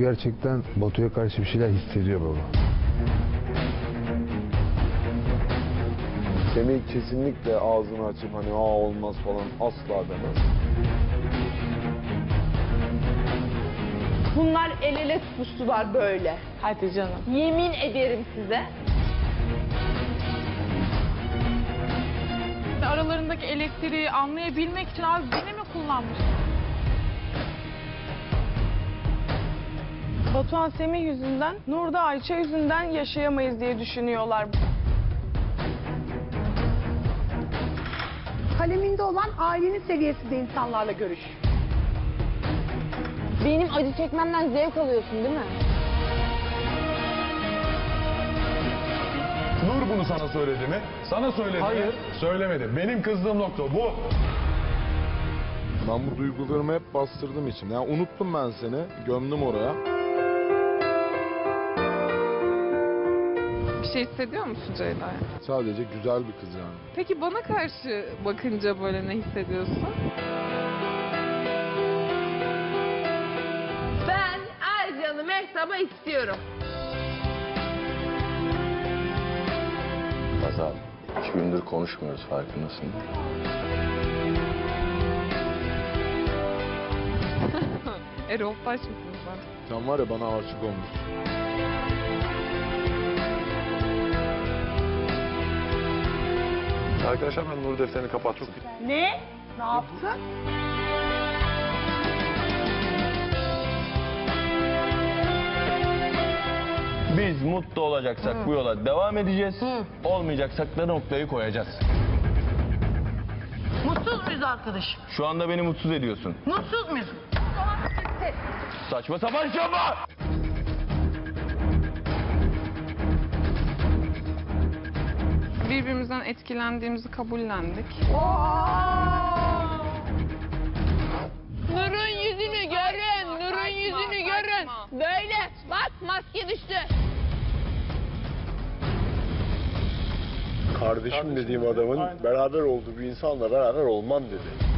gerçekten Batu'ya karşı bir şeyler hissediyor baba. Semih kesinlikle ağzını açıp hani olmaz falan asla demez. Bunlar el ele tutuştular böyle. Hadi canım. Yemin ederim size. Aralarındaki elektriği anlayabilmek için abi beni mi kullanmış? Batuhan Semih yüzünden, Nur da Ayça yüzünden yaşayamayız diye düşünüyorlar. Kaleminde olan ailenin seviyesinde insanlarla görüş. Benim acı çekmemden zevk alıyorsun değil mi? Nur bunu sana söyledi mi? Sana söyledi Hayır. mi? Söylemedi. Benim kızdığım nokta bu. Ben bu duygularımı hep bastırdım içimde. Yani unuttum ben seni, gömdüm oraya. Bir şey hissediyor musun Ceyda'ya? Sadece güzel bir kız yani. Peki bana karşı bakınca böyle ne hissediyorsun? Ben Ercan'ı Mehtap'a istiyorum. Azal, 2 gündür konuşmuyoruz farkındasın. Erol Taş mısın sen? Sen var ya bana aşık olmuşsun. Arkadaşlar ben Nur defterini kapattım. Ne? Ne yaptın? Biz mutlu olacaksak bu yola devam edeceğiz. Olmayacaksak da noktayı koyacağız. Mutsuz muyuz arkadaşım? Şu anda beni mutsuz ediyorsun. Mutsuz muyuz? Saçma sapan şey yapma! Birbirimizden etkilendiğimizi kabullendik. Nur'un yüzünü görün, Nur'un yüzünü görün. Böyle bak maske düştü. Kardeşim dediğim adamın beraber olduğu bir insanla beraber olmam dedi.